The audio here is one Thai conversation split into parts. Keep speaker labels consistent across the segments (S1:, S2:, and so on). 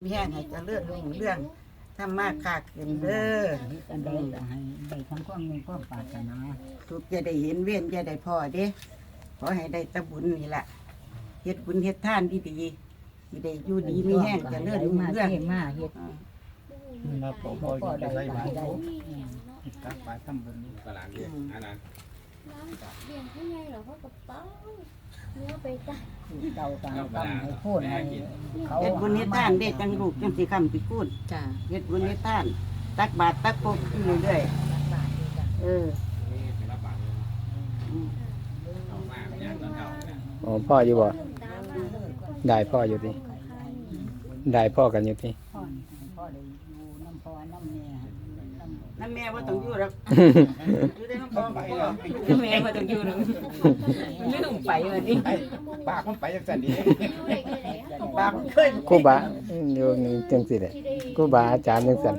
S1: มีแห้งให้เจริญรุ่งเรื่องทำมากคาขึ้นเด้อ
S2: อันใดก็ให้ได้ทั้งความมีความปรารถนา
S1: ทุกจะได้เห็นเว้นจะได้พอเด้ขอให้ได้ตะบุญนี่แหละเฮ็ดบุญเฮ็ดทานดีๆสิได้อยู่ดีมีแห้งเจริญรุ่งเรื่อง
S2: มาเฮ็ด
S3: นะผม
S2: บ่
S3: บ่
S2: ได้
S3: ได้ใส่
S2: ได้
S3: บาตร
S2: ได้
S3: ตักบาตรทำบุญ
S4: ตลาดเรียนอันนั้น
S5: ร้านเลี้ยงให้ไงเหรอเขากับป้าเนื้อไปจ้ะ
S2: เจ้าก็ตั้งให้โค่นให้เขา
S1: เฮ็ดบุญเฮ็ดทานเด้จังลูกจังสิคำสิกูด
S2: จ้า
S1: เฮ็ดบุญเฮ็ดทานตักบาตรตักปกอยู่เรื่อยๆเออ
S4: เป็นรับบาทเอามากอย่างตอนเก่าเนี่ย
S6: อ๋อพ่ออยู่บ่ได้พ่ออยู่ติได้พ่อกันอยู่ติ
S2: พ่อได้อยู่น้ำพ่อน้ำแม่
S1: น้ำแม่ว่าต้องอยู่หรอกอยู่ได้น้ำพ่อไป
S2: แม่บ่ต้องอยู่หรอกลืมไปวันนี้
S3: ปากมันไปจังซั่นดิ
S1: ปากเคย
S6: ครูบาอยู่นี่จังซี่แหละครูบาอาจารย์จังซั่น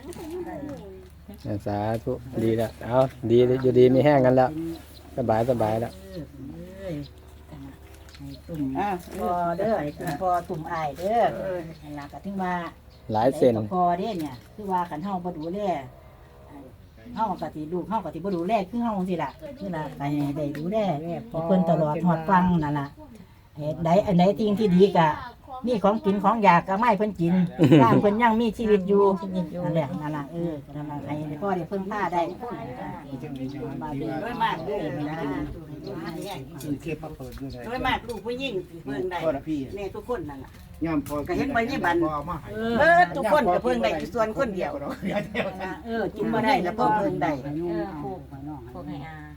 S6: สาธุดีแล้วเอาดีอยู่ดีมีแห้งกันแล้วสบายแล้ว
S2: ตุ่มพอเด้อตุ่มพอตุ่มอายเด้อนั่นล่ะก็ถึงว่า
S6: หลายเส้น
S2: พอเด้เนี่ยคือว่าคันเฮาบ่ดูแลเฮาก็สิลูกเฮาก็สิบ่ดูแลคือเฮาจังซี่ล่ะคือล่ะก็ให้ได้ดูแลเพิ่นตลอดฮอดฟังนั่นล่ะเฮ็ดใดอันใดสิ่งที่ดีก็มีของกินของอยากก็ไม่เพิ่นกินตามเพิ่นยังมีชีวิตอยู่นั่นแหละนั่นล่ะนั่นล่ะให้พ่อได้เพิ่นพาได้
S3: จังมีจัง
S2: มา
S3: มี
S2: ดี
S3: ว่า
S1: ด้วยมากเลยนะ
S3: ซื้อเทปมาเปิดด้วย
S1: ด้วยมากลูกผู้หญิงเพิ่งได้
S3: พ่อละพี่
S1: แม่ทุกคนนั่นแหละ
S3: ย่อมพอพ่อมาให้
S1: ทุกคนก็เพิ่งได้ส่วนคนเดียว
S2: กินบ่ได้แล้วพ่อเพิ่นได้พวกให้อา